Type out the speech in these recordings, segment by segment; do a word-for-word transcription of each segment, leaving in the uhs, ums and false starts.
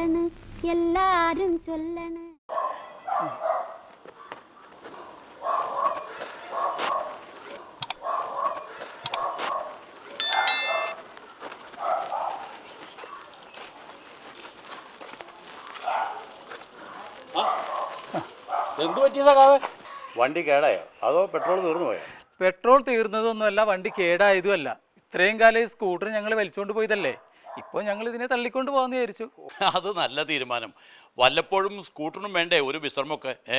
ചൊല്ലണ് എല്ലാരും ചൊല്ലണ്. എന്ത് പറ്റിയ സഖാവേ? വണ്ടി കേടായോ അതോ പെട്രോൾ തീർന്നു പോയോ? പെട്രോൾ തീർന്നതൊന്നുമല്ല, വണ്ടി കേടായതുമല്ല. ഇത്രയും കാലം ഈ സ്കൂട്ടർ ഞങ്ങൾ വലിച്ചുകൊണ്ട് പോയതല്ലേ, ഇപ്പോൾ ഞങ്ങൾ ഇതിനെ തള്ളിക്കൊണ്ട് പോകാമെന്ന് വിചാരിച്ചു. അത് നല്ല തീരുമാനം. വല്ലപ്പോഴും സ്കൂട്ടറിനും വേണ്ടേ ഒരു വിശ്രമമൊക്കെ. ഏ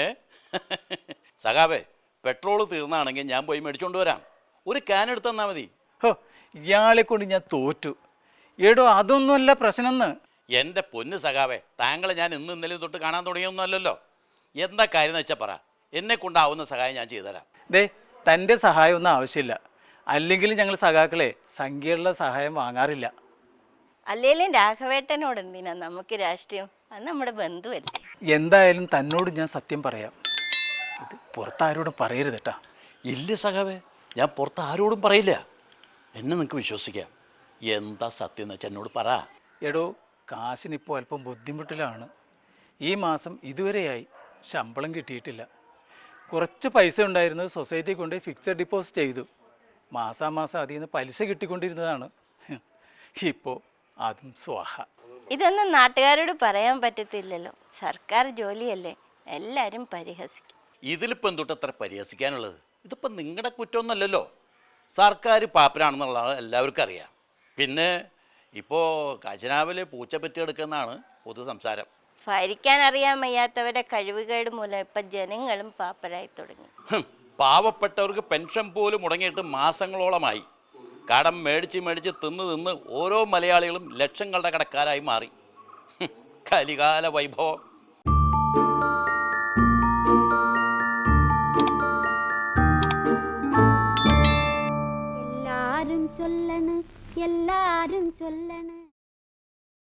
സഖാവേ, പെട്രോൾ തീർന്നാണെങ്കിൽ ഞാൻ പോയി മേടിച്ചോണ്ട് വരാം. ഒരു ക്യാൻ എടുത്ത് തന്നാൽ മതി. ഹോ, ഇയാളെ കൊണ്ട് ഞാൻ തോറ്റു. എടോ, അതൊന്നുമല്ല പ്രശ്നമെന്ന്. എൻ്റെ പൊന്ന് സഖാവേ, താങ്കളെ ഞാൻ ഇന്ന് ഇന്നലെ തൊട്ട് കാണാൻ തുടങ്ങിയൊന്നുമല്ലല്ലോ. എന്താ കാര്യം എന്ന് വെച്ചാൽ പറ, എന്നെ കൊണ്ടാവുന്ന സഹായം ഞാൻ ചെയ്തുതരാം. ദേ, തൻ്റെ സഹായം ഒന്നും ആവശ്യമില്ല. അല്ലെങ്കിൽ ഞങ്ങൾ സഖാക്കളെ സംഖ്യയുള്ള സഹായം വാങ്ങാറില്ല. അല്ലേലും രാഘവേട്ടനോട് എന്തിനാ നമുക്ക് രാഷ്ട്രീയം? അത് നമ്മുടെ ബന്ധുവല്ലേ. എന്തായാലും തന്നോട് ഞാൻ സത്യം പറയാം, ഇത് പുറത്താരോടും പറയരുത് കേട്ടാ. ഇല്ല സഖാവേ, ഞാൻ പുറത്ത് ആരോടും പറയില്ല. എന്നെ നിങ്ങൾക്ക് വിശ്വസിക്കാം. എന്താ സത്യം എന്ന് വെച്ചാൽ എന്നോട് പറ. എടോ, കാശിനിപ്പോൾ അല്പം ബുദ്ധിമുട്ടിലാണ്. ഈ മാസം ഇതുവരെയായി ശമ്പളം കിട്ടിയിട്ടില്ല. കുറച്ച് പൈസ ഉണ്ടായിരുന്നത് സൊസൈറ്റി കൊണ്ട് ഫിക്സഡ് ഡിപ്പോസിറ്റ് ചെയ്തു. മാസാമാസം അതിൽ നിന്ന് പലിശ കിട്ടിക്കൊണ്ടിരുന്നതാണ്. ഇപ്പോൾ അതും സ്വാഹ. ഇതൊന്നും നാട്ടുകാരോട് പറയാൻ പറ്റത്തില്ലല്ലോ. സർക്കാർ ജോലിയല്ലേ, എല്ലാവരും പരിഹസിക്കും. ഇതിലിപ്പോൾ എന്തുട്ട് അത്ര പരിഹസിക്കാനുള്ളത്? ഇതിപ്പോൾ നിങ്ങളുടെ കുറ്റമൊന്നുമല്ലല്ലോ. സർക്കാർ പാപ്പരാണെന്നുള്ളത് എല്ലാവർക്കും അറിയാം. പിന്നെ ഇപ്പോൾ ഖജനാവിൽ പൂച്ച പെറ്റിയെടുക്കുന്നതാണ് പൊതു സംസാരം. ഭരിക്കാൻ അറിയാൻ വയ്യാത്തവരുടെ കഴിവുകേട് മൂലം ഇപ്പം ജനങ്ങളും പാപ്പരായി തുടങ്ങി. പാവപ്പെട്ടവർക്ക് പെൻഷൻ പോലും മുടങ്ങിയിട്ട് മാസങ്ങളോളമായി. കടം മേടിച്ച് മേടിച്ച് തിന്ന് തിന്ന് ഓരോ മലയാളികളും ലക്ഷങ്ങളുടെ കടക്കാരായി മാറി. കലികാല വൈഭവം. എല്ലാരും ചൊല്ലണ് എല്ലാരും ചൊല്ലണ്.